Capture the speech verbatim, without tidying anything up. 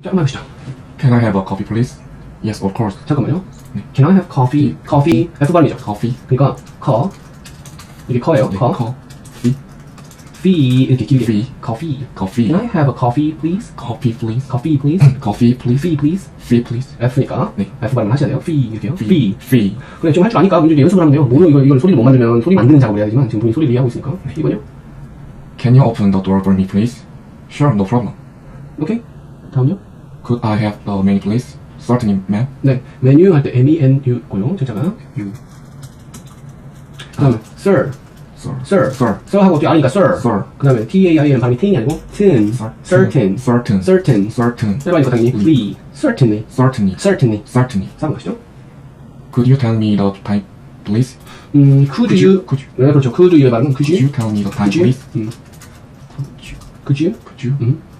자, 한번 해보시죠. Can I have a coffee, please? Yes, of course. 잠깐만요. Can I have coffee? coffee F 발음이죠. Coffee. 그러니까 커 이게 커예요. 네, 커. Coffee. fee 이렇게 길게. Fee. coffee. Coffee. Can I have a coffee, please? Coffee, please. coffee, please. Coffee, please. fee, please. Fee, please. F니까 네. F 발음 하셔야 돼요. fee 이렇게요. Fee. fee. Fee. 그래 좀 할 줄 아니까 문제 연습을 하면 돼요. 모르 이거 이걸 소리를 못 만들면 소리 만드는 작업을 해야 되지만 지금 본인 소리를 이해하고 있으니까. 이번요. Can you open the door for me, please? Sure, no problem. 오케이. 다음요. Could I have the menu, please? Certainly, ma'am. 네. 메뉴 할 때 M E N U고요. 진짜가 U. 그다음에 sir. Sir. sir. Sir. sir 하고 뒤에 아니까 sir. Sir. 그다음에 T A I N은 발음이 tin이 아니고 tin. certain. Certain. certain. Certain. 짧아니까 당연히 free. certainly. Certainly. certainly. Certainly. 삼 번 가시죠. Could you tell me the time, please? 음, could, Could you, you- could you- 네, 그렇죠. could you의 발음은 could Could you, you tell me the time, could you, please? 음, could you, Could you? 음,